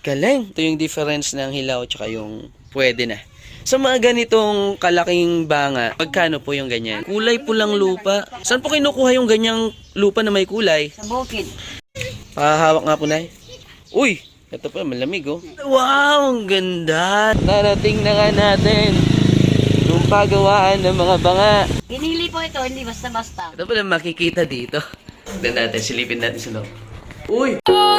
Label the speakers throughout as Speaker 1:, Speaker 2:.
Speaker 1: Galing. Ito yung difference ng hilaw tsaka yung pwede na. Sa mga ganitong kalaking banga, magkano po yung ganyan? Kulay pulang lupa. Saan po kinukuha yung ganyang lupa na may kulay?
Speaker 2: Sa bukid.
Speaker 1: Hawak nga po, Nay. Uy! Ito pa, malamig oh. Wow! Ang ganda! Narating na nga natin yung pagawaan ng mga banga.
Speaker 2: Pinili po ito, hindi basta-basta.
Speaker 1: Ito pala makikita dito. Tignan natin, silipin natin sa loob. Uy!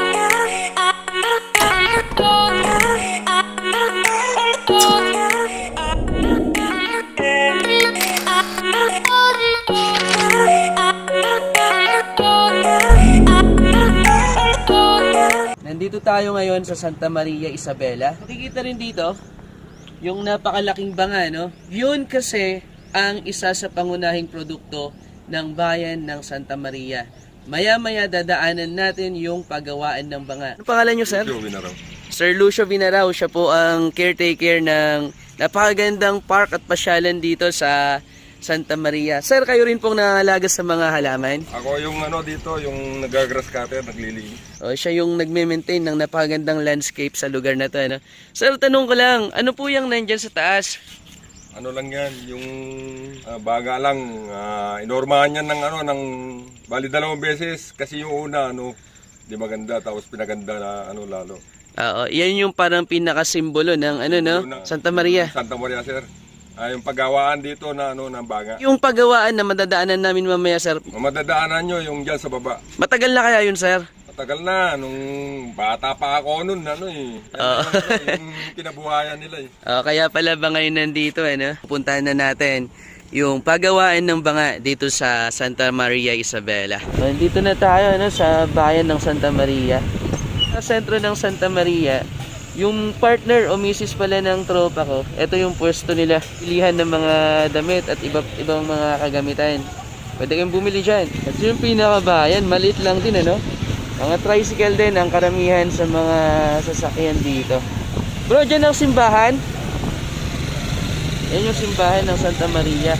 Speaker 1: Nandito tayo ngayon sa Santa Maria Isabela. Makikita rin dito yung napakalaking banga, no? Yun kasi ang isa sa pangunahing produkto ng bayan ng Santa Maria. Maya-maya dadaanan natin yung paggawaan ng banga. Ano pangalan nyo, sir?
Speaker 3: Lucio Vinaraw.
Speaker 1: Sir Lucio Vinaraw, siya po ang caretaker ng napakagandang park at pasyalan dito sa Santa Maria. Sir, kayo rin pong nangangalaga sa mga halaman?
Speaker 3: Ako yung dito, yung nag-grass cutter, naglilinis.
Speaker 1: O, siya yung nagme-maintain ng napakagandang landscape sa lugar na to. Ano? Sir, tanong ko lang, ano po yung nandyan sa taas?
Speaker 3: Ano lang yan, yung baga lang, inormahan yan ng bali 2 beses kasi yung una, di maganda, tapos pinaganda na lalo.
Speaker 1: Oo, yan yung parang pinakasimbolo ng Santa Maria.
Speaker 3: Santa Maria, sir. Yung paggawaan dito ng baga.
Speaker 1: Yung paggawaan na madadaanan namin mamaya, sir.
Speaker 3: Madadaanan nyo yung dyan sa baba.
Speaker 1: Matagal na kaya yun, sir?
Speaker 3: Matagal na, nung bata pa ako nun, yung kinabuhayan nila eh.
Speaker 1: Kaya pala ba ngayon nandito, pupuntahan na natin yung paggawaan ng banga dito sa Santa Maria Isabela. Dito na tayo sa bayan ng Santa Maria. Sa sentro ng Santa Maria, yung partner o misis pala ng tropa ko, ito yung pwesto nila. Pilihan ng mga damit at ibang mga kagamitan. Pwede kayong bumili dyan. At yung pinakabayan, maliit lang din, Mga tricycle din ang karamihan sa mga sasakyan dito. Bro, dyan ang simbahan. Yan yung simbahan ng Santa Maria.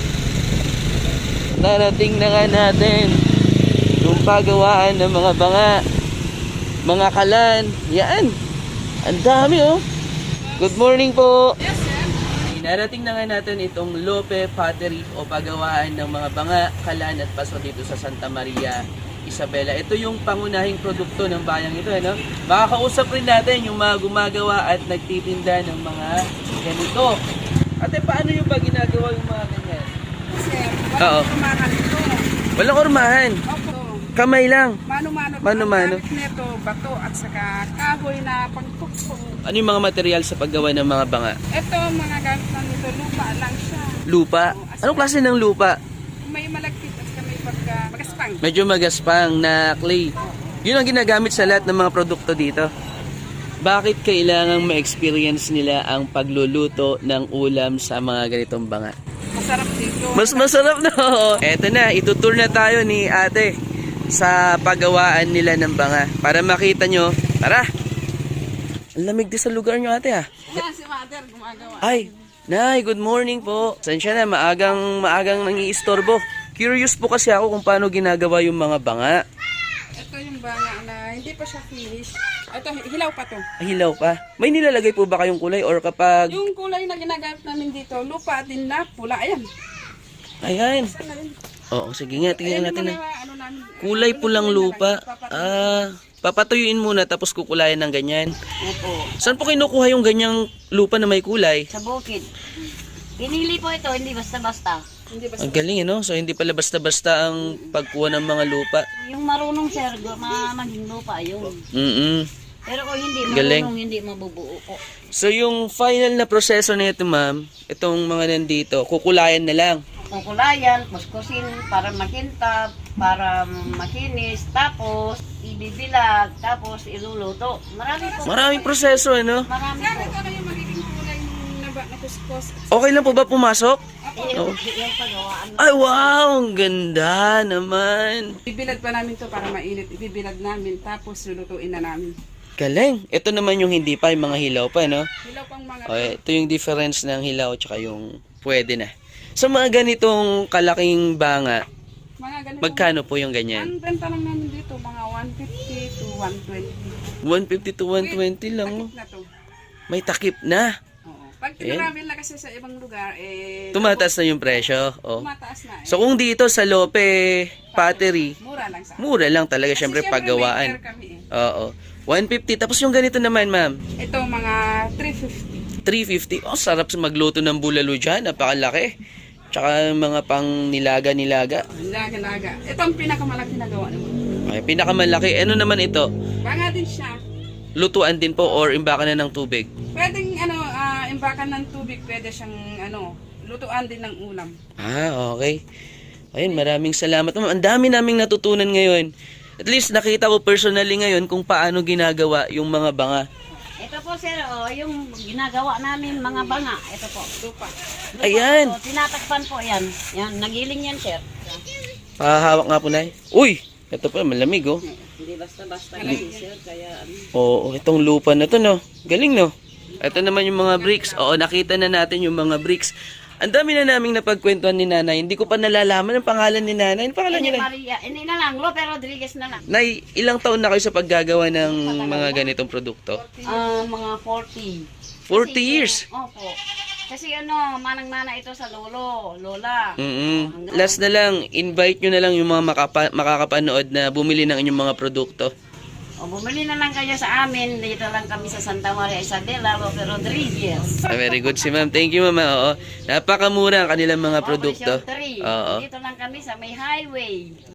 Speaker 1: Narating na nga natin yung pagawaan ng mga banga, mga kalan. Yan. Ang dami Good morning po. Yes, sir. Narating na nga natin itong Lope Pottery o pagawaan ng mga banga, kalan at paso dito sa Santa Maria Isabela. Ito yung pangunahing produkto ng bayang ito, Makakausap rin natin yung mga gumagawa at nagtitinda ng mga ganito. Ate, paano yung ba ginagawa yung mga ganyan?
Speaker 4: Sir, walang kurmahan ito.
Speaker 1: Walang kurmahan?
Speaker 4: Opo.
Speaker 1: Kamay lang?
Speaker 4: Mano-mano.
Speaker 1: Mano-mano.
Speaker 4: Ang gamit nito, bato at saka kahoy na pangtuksong.
Speaker 1: Ano yung mga material sa paggawa ng mga banga?
Speaker 4: Ito, mga gamit na nito, lupa lang siya.
Speaker 1: Lupa? Anong klase ng lupa?
Speaker 4: May malagkit at saka may magaspang.
Speaker 1: Medyo magaspang na clay. Yun ang ginagamit sa lahat ng mga produkto dito. Bakit kailangang ma-experience nila ang pagluluto ng ulam sa mga ganitong banga?
Speaker 4: Masarap dito.
Speaker 1: Mas masarap na. Eto na, itutour na tayo ni ate sa paggawaan nila ng banga. Para makita nyo, tara! Ang lamig din sa lugar nyo, ate,
Speaker 4: Yan, si Mother gumagawa.
Speaker 1: Ay, Nay, good morning po. Sensya na, maagang nangiistorbo. Curious po kasi ako kung paano ginagawa yung mga banga.
Speaker 4: Ito yung banga na hindi pa siya finish. Ito, hilaw pa to.
Speaker 1: Hilaw pa. May nilalagay po ba kayong kulay or kapag...
Speaker 4: Yung kulay na ginagamit namin dito, lupa din na pula. Ayan.
Speaker 1: Ayan. Oo, sige nga, tingnan natin. Kulay pulang lupa. Papatuyuin muna tapos kukulayan ng ganyan.
Speaker 2: Opo.
Speaker 1: Saan po kinukuha yung ganyang lupa na may kulay?
Speaker 2: Sa bukid. Pinili po ito, hindi basta-basta.
Speaker 4: Hindi ba?
Speaker 1: Ang galing, So, hindi pala basta-basta ang pagkuha ng mga lupa.
Speaker 2: Yung marunong sir, maging lupa yun. Pero kung hindi
Speaker 1: Galing.
Speaker 2: marunong, hindi mabubuo po.
Speaker 1: So, yung final na proseso nito, ma'am, itong mga nandito, kukulayan na lang.
Speaker 2: Kukulayan, kuskusin para makintab, para makinis, tapos ibibilag, tapos iluluto.
Speaker 1: Maraming proseso,
Speaker 2: Marami
Speaker 4: Sir,
Speaker 2: po.
Speaker 4: ito na yung magiging kulay na kuskus.
Speaker 1: Okay lang po ba pumasok?
Speaker 2: Yung pagawaan.
Speaker 1: Ay, wow! Ang ganda naman.
Speaker 4: Ibibilad pa namin to para mainit. Ibibilad namin, tapos lulutuin na namin.
Speaker 1: Galing. Ito naman yung hindi pa, yung mga hilaw pa,
Speaker 4: Hilaw pang mga
Speaker 1: Okay, ito yung difference ng hilaw tsaka yung pwede na. Sa mga ganitong kalaking banga,
Speaker 4: ganito.
Speaker 1: magkano po yung ganyan?
Speaker 4: Ang benta lang namin dito, mga 150 to 120.
Speaker 1: 150 to 120 lang. Oh.
Speaker 4: Takip na to.
Speaker 1: May takip na.
Speaker 4: Oo. Pag tinravel na kasi sa ibang lugar,
Speaker 1: Tumataas na yung presyo. Oh.
Speaker 4: tumataas na
Speaker 1: So kung dito sa Lope Pottery,
Speaker 4: mura lang sa
Speaker 1: mura lang talaga
Speaker 4: Kasi
Speaker 1: syempre
Speaker 4: syempre
Speaker 1: paggawaan.
Speaker 4: may kami
Speaker 1: Oo. 150. Tapos yung ganito naman, ma'am.
Speaker 4: Ito mga 350.
Speaker 1: 350. Oh, sarap sa magluto ng bulalo dyan. Napakalaki. Tsaka mga pang nilaga-nilaga.
Speaker 4: Laga-laga. Ito ang pinakamalaki na gawa naman.
Speaker 1: Okay, pinakamalaki. Ano naman ito?
Speaker 4: Banga din siya.
Speaker 1: Lutuan din po or imbakan na ng tubig?
Speaker 4: Pwedeng imbakan ng tubig, pwede siyang lutuan din ng ulam.
Speaker 1: Ah, okay. Ayun, maraming salamat. Ma'am, ang dami naming natutunan ngayon. At least nakita ko personally ngayon kung paano ginagawa yung mga banga.
Speaker 2: Ito po sir, yung ginagawa namin mga banga. Ito po.
Speaker 4: Lupa.
Speaker 1: Ayan.
Speaker 2: So, tinatakpan po yan. Yan, nagiling yan sir.
Speaker 1: Pakahawak nga po na. Uy! Ito pa, malamig oh.
Speaker 2: Hindi basta-basta kasi sir, kaya
Speaker 1: Oo, itong lupa na to no. Galing no. Ito naman yung mga bricks. Oo, nakita na natin yung mga bricks. Ang dami na naming napagkwentuhan ni nanay. Hindi ko pa nalalaman ang pangalan ni nanay. Ang pangalan niya na?
Speaker 2: Maria, hindi na lang, Lope Rodriguez na lang.
Speaker 1: Nay, ilang taon na kayo sa paggagawa ng mga ganitong produkto?
Speaker 2: Mga 40.
Speaker 1: 40 years.
Speaker 2: Opo. Kasi manang-mana ito sa lola.
Speaker 1: Last na lang, invite nyo na lang yung mga makakapanood na bumili ng inyong mga produkto.
Speaker 2: Bumili na lang kayo sa amin. Dito lang kami sa Santa Maria Isabela, Lope Rodriguez.
Speaker 1: Very good si ma'am. Thank you mama. Oo. Napakamura ang kanilang mga produkto.
Speaker 2: Operation 3.
Speaker 1: Oo.
Speaker 2: Dito lang kami sa may highway.